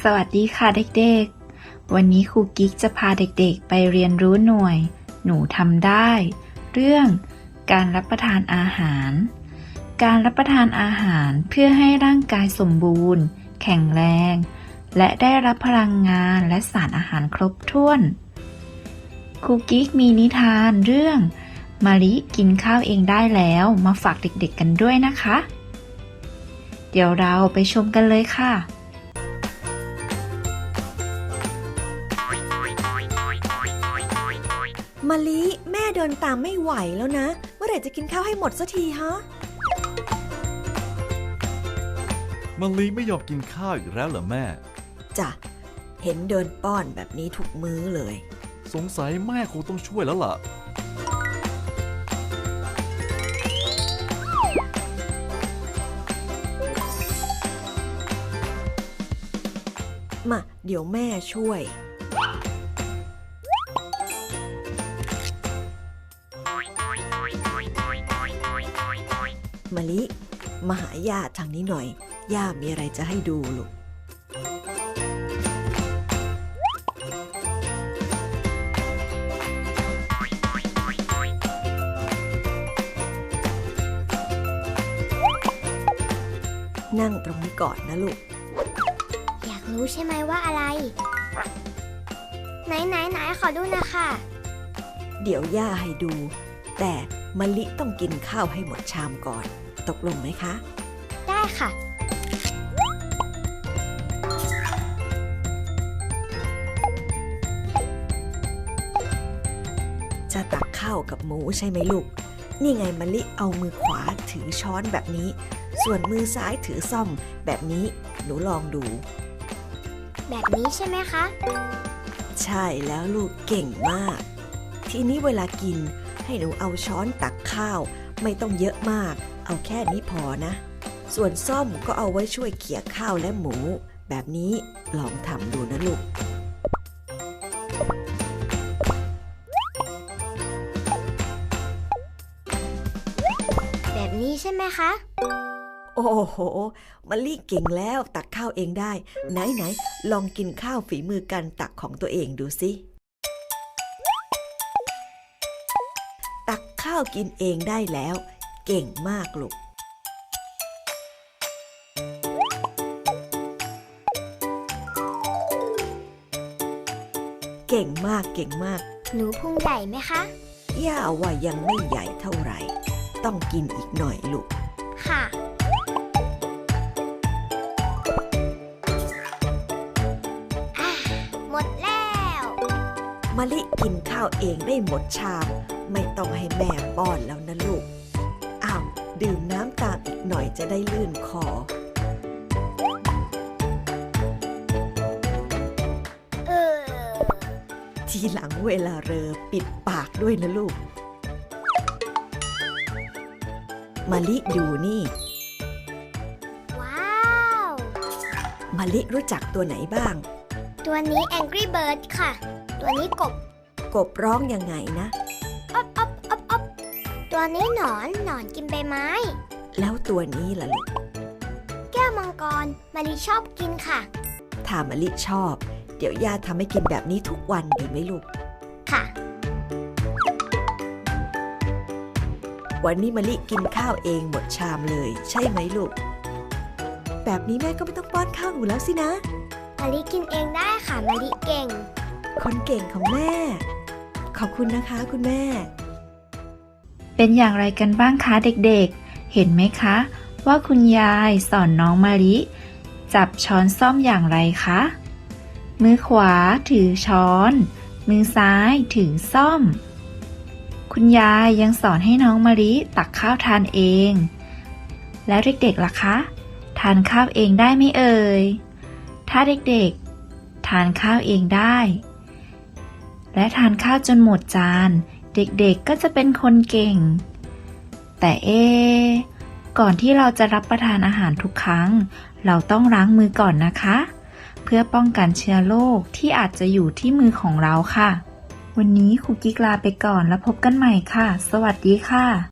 สวัสดีค่ะเด็กๆ วันนี้ครูกิ๊กจะพาเด็กๆไปเรียนรู้หน่วยหนูทำได้ เรื่องการรับประทานอาหาร การรับประทานอาหารเพื่อให้ร่างกายสมบูรณ์ แข็งแรง และได้รับพลังงานและสารอาหารครบถ้วนครูกิ๊กมีนิทานเรื่องมะลิกินข้าวเองได้แล้วมาฝากเด็กๆกันด้วยนะคะ เดี๋ยวเราไปชมกันเลยค่ะมะลิแม่เดินตามไม่ไหวแล้วนะเมื่อไหร่จะกินข้าวให้หมดสักทีฮะมะลิไม่ยอมกินข้าวอีกแล้วเหรอแม่จ้ะเห็นเดินป้อนแบบนี้ทุกมื้อเลยสงสัยแม่คงต้องช่วยแล้วล่ะมาเดี๋ยวแม่ช่วยมะลิมาหาย่าทางนี้หน่อยย่ามีอะไรจะให้ดูลูกนั่งตรงนี้ก่อนนะลูกอยากรู้ใช่ไหมว่าอะไรไหนขอดูนะคะเดี๋ยวย่าให้ดูแต่มะลิต้องกินข้าวให้หมดชามก่อนตกลงไหมคะได้ค่ะจะตักข้าวกับหมูใช่ไหมลูกนี่ไงมะลิเอามือขวาถือช้อนแบบนี้ส่วนมือซ้ายถือซ่อมแบบนี้หนูลองดูแบบนี้ใช่ไหมคะใช่แล้วลูกเก่งมากทีนี้เวลากินให้หนูเอาช้อนตักข้าวไม่ต้องเยอะมากเอาแค่นี้พอนะส่วนซ่อมก็เอาไว้ช่วยเขี่ยข้าวและหมูแบบนี้ลองทำดูนะลูกแบบนี้ใช่ไหมคะโอ้โหมะลิเก่งแล้วตักข้าวเองได้ไหนลองกินข้าวฝีมือการตักของตัวเองดูสิตักข้าวกินเองได้แล้วเก่งมากลูกเก่งมากหนูพุงใหญ่ไหมคะย่าว่ายังไม่ใหญ่เท่าไหร่ต้องกินอีกหน่อยลูกค่ะหมดแล้วมะลิกินข้าวเองได้หมดชามไม่ต้องให้แม่ป้อนแล้วนะลูกอ้าวดื่มน้ำตามอีกหน่อยจะได้ลื่นคอทีหลังเวลาเรอปิดปากด้วยนะลูกมะลิดูนี่ว้าวมะลิรู้จักตัวไหนบ้างตัวนี้ Angry Bird ค่ะตัวนี้กบร้องยังไงนะอ๊อบตัวนี้หนอนกินใบไม้แล้วตัวนี้ล่ะลูกแก้วมังกรมะลิชอบกินค่ะถ้ามะลิชอบเดี๋ยวย่าทำให้กินแบบนี้ทุกวันดีไหมลูกค่ะวันนี้มะลิกินข้าวเองหมดชามเลยใช่ไหมลูกแบบนี้แม่ก็ไม่ต้องป้อนข้าวหนูแล้วสินะมะลิกินเองได้ค่ะมะลิเก่งคนเก่งของแม่ขอบคุณนะคะคุณแม่เป็นอย่างไรกันบ้างคะเด็กๆเห็นไหมคะว่าคุณยายสอนน้องมะลิจับช้อนส้อมอย่างไรคะมือขวาถือช้อนมือซ้ายถือส้อมคุณยายยังสอนให้น้องมะลิตักข้าวทานเองแล้วเด็กๆล่ะคะทานข้าวเองได้ไหมเอ่ยถ้าเด็กๆทานข้าวเองได้และทานข้าวจนหมดจานเด็กๆก็จะเป็นคนเก่งแต่ก่อนที่เราจะรับประทานอาหารทุกครั้งเราต้องล้างมือก่อนนะคะเพื่อป้องกันเชื้อโรคที่อาจจะอยู่ที่มือของเราค่ะวันนี้ครูกิ๊กลาไปก่อนแล้วพบกันใหม่ค่ะสวัสดีค่ะ